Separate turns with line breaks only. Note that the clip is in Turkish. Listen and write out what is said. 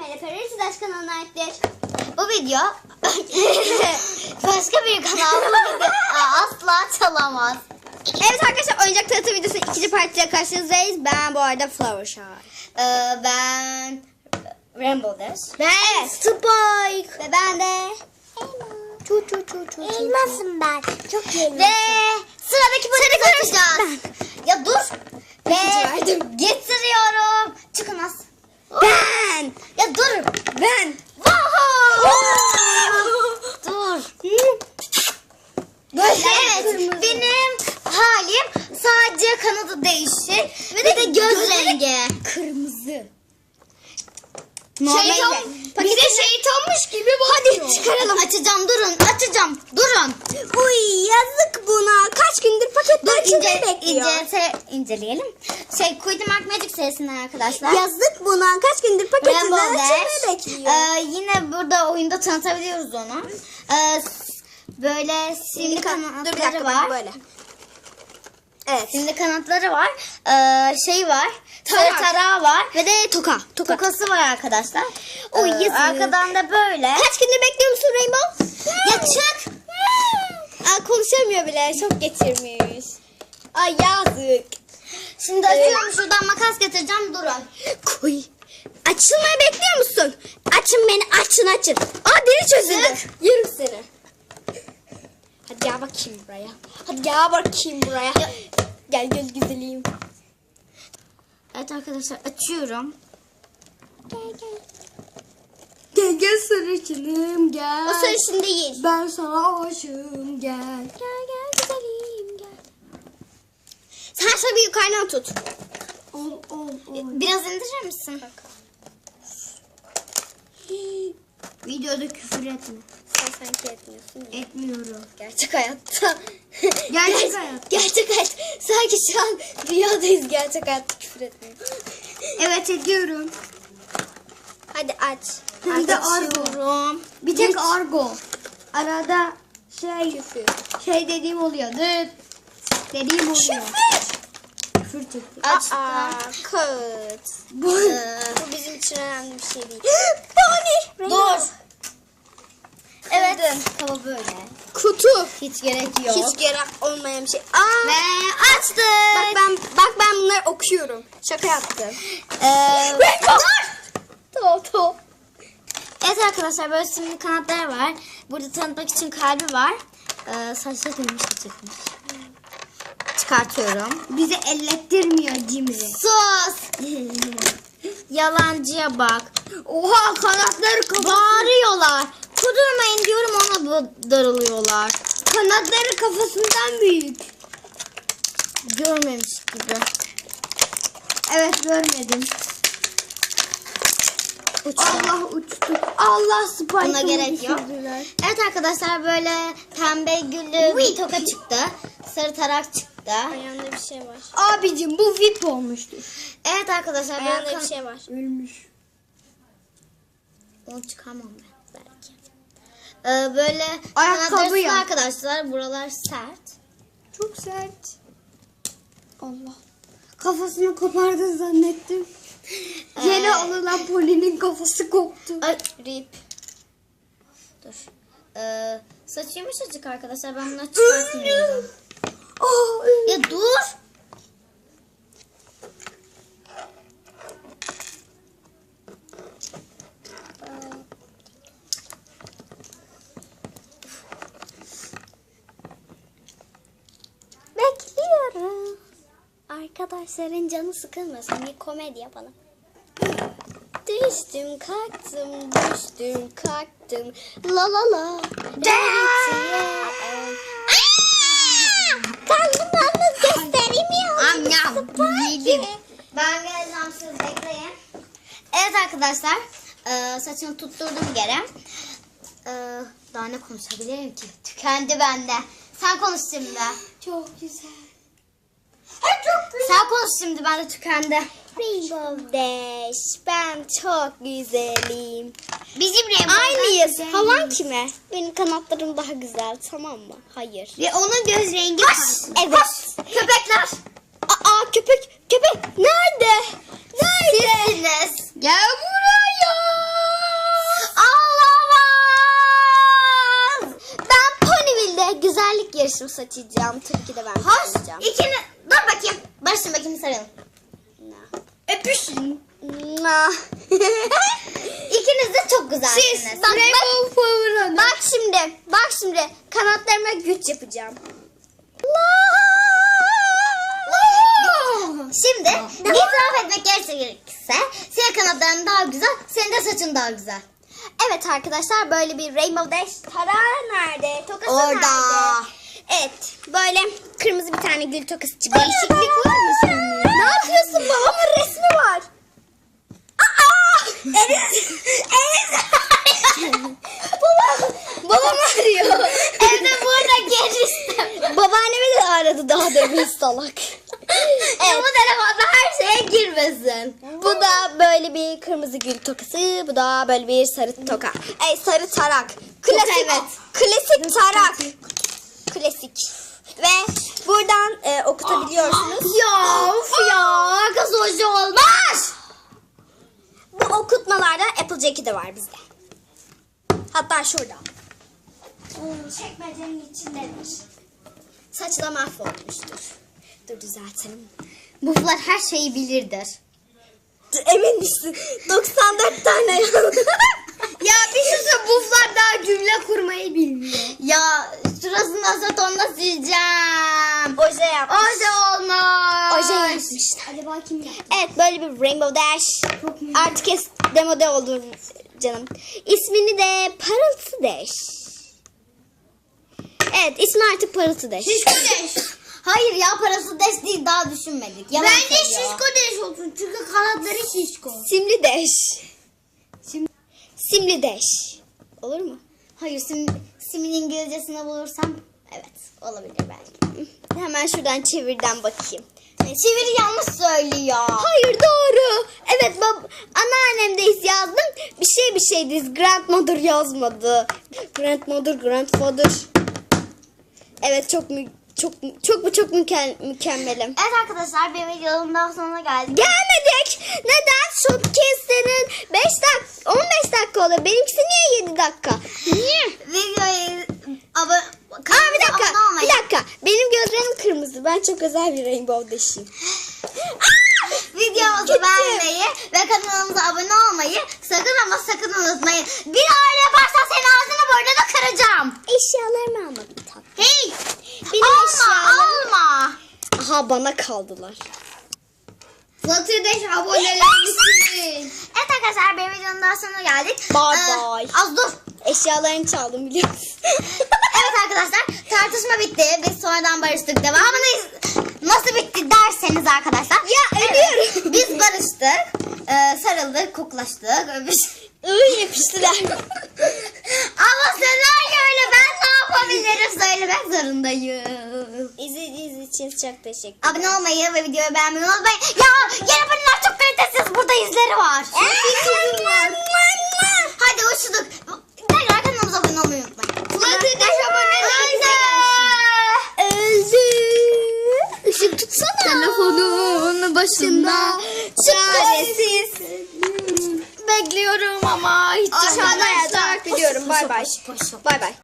Zeynep Erişi Daş kanalına aittir. Bu video başka bir kanal bu video asla çalamaz.
Evet arkadaşlar, oyuncak tanıtım videosu ikinci partiyle karşınızdayız. Ben bu arada Flower Shy.
Ben Rainbow Dash.
Ben Spike.
Ve ben de
Elmasım ben. Çok elmasım.
ve sıradaki bölümü açacağız. Ya dur. Ve
verdim.
getiriyorum. Çıkın az.
Ben.
Ya dur.
Ben.
Dur. Evet, benim halim sadece kanadı değişir ve de göz rengi.
Kırmızı.
Şeytan, bize şeytanmış gibi bakıyor.
Hadi çıkaralım.
Açacağım, açacağım, durun.
Uy, yazık buna. Kaç gündür paketler içinde bekliyor.
İnceleyelim. Queen Mark Magic serisinden arkadaşlar.
Yazık buna. Kaç gündür paketler
Rainbow
içinde
Dash.
bekliyor.
Yine burada oyunda tanıtabiliyoruz onu. Böyle simli kanatları var.
Böyle. Evet.
Simli kanatları var. Var.
Tarak.
Sarı tarağı var.
Ve de toka.
Tokası var arkadaşlar.
Oy, yazık.
Arkadan da böyle.
Kaç gündür bekliyor musun Rainbow?
Ya çık.
Konuşamıyor bile. Şok geçirmiş. Ay yazık.
Şimdi açıyorum, şuradan makas getireceğim, durun.
Koy. Açılmayı bekliyor musun? Açın beni, açın. Deli çözüldü.
Çık.
Yerim seni. Hadi gel bakayım buraya. Hadi gel bakayım buraya. Gel güzelim.
Evet arkadaşlar, açıyorum.
Gel sarışınım gel.
O sarışın değil.
Ben sana aşığım gel. Gel güzelim gel. Sen şöyle bir yukarıdan tut. Ol.
Biraz indirir misin? Videoda küfür etme.
Sen sanki etmiyorsun.
Etmiyorum.
Gerçek hayatta.
Gerçek hayat.
Gerçek hayat. Sanki şu an rüyadayız, gerçek hayatta küfür etmiyor.
Evet, ediyorum.
Hadi aç.
Hem de
Açıyorum.
Bir tek argo. Arada
Küfür.
dediğim oluyor. Dediğim oluyor. Küfür çekti. Açtım.
Kağıt.
Bu.
Bu bizim için önemli bir şey değil. Bonnie.
Dur. Evet. Kaba böyle.
Kutu.
Hiç gerek yok.
Hiç gerek olmayan bir şey.
Ve açtık.
Bak ben bunları okuyorum. Şaka yaptım.
Dur. Evet arkadaşlar, böyle simli kanatları var. Burada tanıtmak için kalbi var. Saçları dönmüş çıkmış. Çıkartıyorum.
Bizi ellettirmiyor Cimri.
Sus. Yalancıya bak.
Oha, kanatları kafası.
Bağırıyorlar. Kudurmayın diyorum, ona darılıyorlar.
Kanatları kafasından büyük.
Görmemiş gibi.
Evet, görmedim.
Uçtu.
Allah uçtu. Allah Spike'ı
Buna gerek yok.
düşürdüler.
Evet arkadaşlar, böyle pembe güllü bir toka çıktı. Sarı tarak çıktı.
Ayağında bir şey var. Abicim bu VIP olmuştur.
Evet arkadaşlar, böyle
Ayağında bir şey var. Ölmüş.
onu çıkarmam ben belki. Böyle
Ayakkabı
kanatları
ya.
arkadaşlar, buralar sert.
Çok sert. Allah. Kafasını kopardın zannettim. Yere alınan Poli'nin kafası koptu.
Ay, rip. Dur. Saçı yumuşacık arkadaşlar, ben bunu çıkartmıyorum. Ya dur.
Bekliyorum. Arkadaşların canı sıkılmasın. Bir komedi yapalım. Düştüm kalktım, düştüm kalktım. La la la. Karnımdan göstereyim ya.
Yedim. Ben geleceğim, siz bekleyin. Evet arkadaşlar, saçını tutturdum geri. Daha ne konuşabilirim ki? Tükendi bende. Sen konuş şimdi.
Çok güzel.
Sen konuş şimdi, ben de tükendi.
Rainbow Dash, ben çok güzelim.
Bizim Rainbow
Aynıyız.
güzel.
Havan kime? Benim kanatlarım daha güzel, tamam mı? Hayır.
Ve onun göz rengi farklı.
Evet.
Köpekler.
Köpek nerede? Nerede?
Sizsiniz.
Gel buraya. arkadaşım saçacağım. Tabii ki de ben
Hoş.
saçacağım.
Dur bakayım. Barışın bakayım sarılın.
Öpüşün.
İkiniz de çok güzelsiniz.
Siz bak şimdi kanatlarıma güç yapacağım.
Şimdi itiraf etmek gerekirse senin kanatların daha güzel, senin de saçın daha güzel.
Evet arkadaşlar böyle bir Rainbow Dash tarağı nerede? Tokası
Orada.
nerede? Evet böyle kırmızı bir tane gül tokası çıktı. Değişiklik var mı senin? Ne yapıyorsun? Babamın resmi var. Babam arıyor.
Evde burada gelirsin.
Babaannemi de aradı daha demin salak.
Evet. Bu telefonda her şeye girmesin.
Bu da böyle bir kırmızı gül tokası. Bu da böyle bir sarı toka. Sarı tarak. Klasik.
evet.
Klasik tarak. Klasik. Ve buradan okutabiliyorsunuz.
Ya of ya. Kız hoca olmaz.
Bu okutmalarda Applejack'i de var bizde. Hatta şurada. Çekmecenin içindedir. Saçı da mahvolmuştur. Dur düzeltelim.
Buflar her şeyi bilirdir.
Emin misin? 94 tane
Ya bir şey söyleyeyim, buflar daha cümle kurmayı bilmiyor. Ya şurasını asetonla sileceğim.
Oje yapmış.
Oje olmaz.
Oje yapmışlar. Acaba kim yaptı? Evet böyle bir Rainbow Dash. Artık demode oldu canım. İsmini de Parıltı Dash. Evet ismi artık Parıltı Dash.
Şişko deş. Hayır ya parası deş değil, daha düşünmedik. Yalan
Bence
söylüyor.
deş olsun çünkü kanatları şişko. Simli Dash. Simli Dash. Olur mu?
Hayır simin İngilizcesini bulursam evet olabilir belki.
Hemen şuradan çevirden bakayım.
Çeviri yanlış söylüyor.
Hayır doğru. Evet anneannemdeyiz yazdım. Bir şeydiz. Grandmother yazmadı. Grandfather. Evet çok mükemmelim.
Evet arkadaşlar bir videonun daha sonuna geldik.
Gelmedik. Neden? Shopcase'lerin 15 dakika olur. Benimkisi niye 7 dakika? Niye?
Videoyu
Bir dakika. Benim gözlerim kırmızı. Ben çok özel bir Rainbow Dash'im.
Videomuzu
Gitti.
beğenmeyi ve kanalımıza abone olmayı sakın unutmayın. Bir aile yaparsan senin ağzını burnunu da kıracağım.
Eşyalarımı almadım tatlım.
Hey!
Benim
Alma!
Aha bana kaldılar.
Flutterdash abonelerimiz. Evet arkadaşlar bir videonun daha sonuna geldik.
Bye bye.
Az dur.
Eşyalarını çaldım biliyor musun?
Evet arkadaşlar tartışma bitti. Biz sonradan barıştık. Devamını nasıl bitti derseniz arkadaşlar.
Ya ölüyorum.
Biz barıştık. Sarıldık, koklaştık.
Yapıştılar.
Ama senaryo öyle, ben ne yapabilirim söylemek zorundayım.
İzlediğiniz için çok teşekkür ederim.
Abone olmayı ve videoyu beğenmeyi unutmayın. Ya yeni bölümler çok kalitesiz. Burada izleri var. Hadi hoşçakalın. Tekrar kanalımıza abone olmayı unutmayın.
Flutterdash Öldü. Işık tutsana.
Telefonun başında
Çaresiz.
bekliyorum ama hiç
Aşağıda
arkadaşlar.
yazarak biliyorum. Bay bay. Bay bay.